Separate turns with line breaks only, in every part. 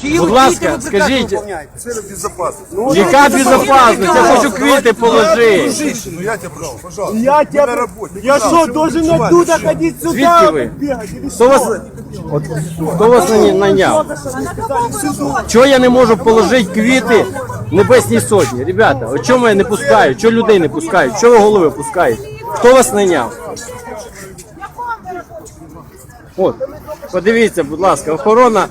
Будь ласка, скажіть,
Цель безопасности.
яка безопасність? Я хочу квіти положити.
Ну я тебя прошу, пожалуйста.
Я
Мы на
тебя...
работе.
Я что, должен оттуда ходить
Звідки
сюда?
ви?
Бегать или
Хто вас, от, хто вас найняв? Чого я не можу положити квіти Небесній Сотні? Ребята, от чому я не пускаю? Чого людей не пускають? Чого ви голови пускаєте? Хто вас найняв? От, подивіться, будь ласка, охорона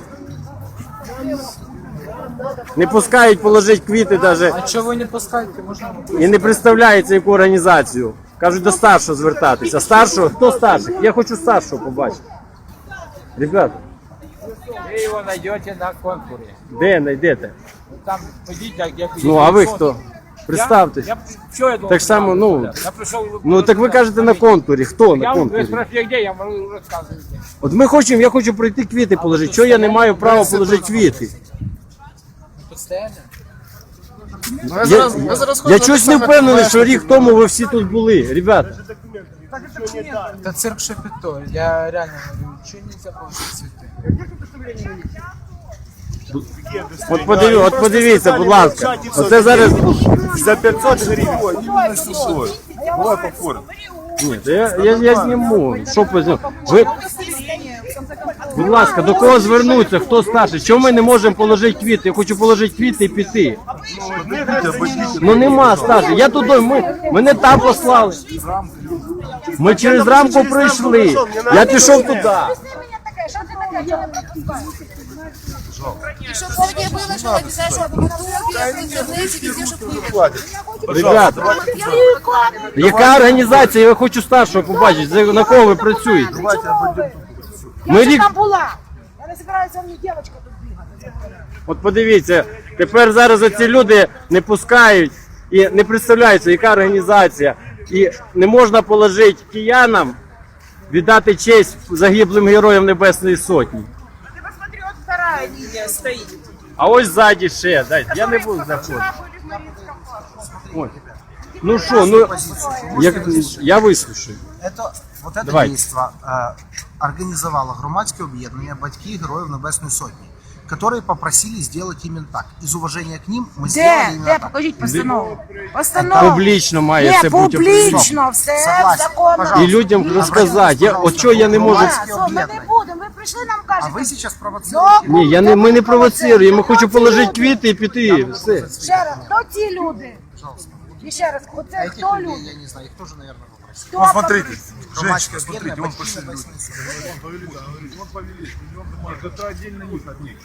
не пускають положити квіти навіть
А чого ви не пускаєте? Можна
і не представляється яку організацію. Кажуть, до старшого звертатися. Старшого? Хто старший? Я хочу старшого побачити. Ребята,
ви його знайдете на конкурі.
де знайдете?
Там ходіть, як
Ну, а ви хто? Представтесь.
Що я думав?
Так само, ну,
Я прийшов...
ну так ви кажете на контурі. Хто на
Я ви
контурі?
спрашиваєте, де, я можу розказувати.
От ми хочемо, я хочу пройти квіти положити. Чого я не маю права положити квіти?
Постоянно?
Я чогось не впевнений, що рік тому ви всі тут були. Ребята,
Та цирк Шапито, я реально говорю, чого не заповнити цвіти?
от подивіться, будь ласка. Оце зараз...
За 500 гривен. Именно сухой. Давай по форме.
Ні, та я зніму. Що позніму? Ви... Будь ласка, до кого звернутися? Хто старший? Чому ми не можемо положити квіти? Я хочу положити квіти і піти. Ну нема старших. Я туди, мене там послали. Ми через рамку прийшли. Я пішов туди.
Чтобы сегодня выложил обязательно в ютубе, в интернете, везде, чтобы выложил.
Ребята, яка організація? Я хочу старшого побачити. На кого ви працюєте? Ми рік...
Там була. Я не збираюся, мені дівчинка тут бігати.
От подивіться, тепер зараз оці люди не пускають і не представляються, яка організація. І не можна положити киянам, віддати честь загиблим героям Небесної Сотні.
Ты посмотри, вот вторая линия стоит.
А ось ззаді ще, дайте, я не буду заходити. Ой. Ну що, ну, я вислушаю.
Вот это
Давай.
действо организовало громадське об'єднання «Батьки Героїв Небесної Сотні», которые попросили сделать именно так. Из уважения к ним мы сделали именно
Де?
так.
Покажіть постанову. Постанову.
Публічно має це
Не,
бути.
публічно, все
Согласен.
законно.
Пожалуйста.
І людям розказати. От чого я не можу...
Ми не будемо, ви прийшли, нам
А
кажете.
вы сейчас провоцируете.
Ні, ми не провоцируємо, ми хочемо положити квіти і піти. Все.
Ще раз, хто ці люди? І ще раз, оце
Этих
хто
людей,
люди?
я не знаю, их тоже, наверное, попросили.
Хто
Посмотрите,
попросив?
женщина,
Громадское
смотрите,
объединение
он
«Батьки
пошли.
Небесной Сотни».
Он повели, это отдельно них от них.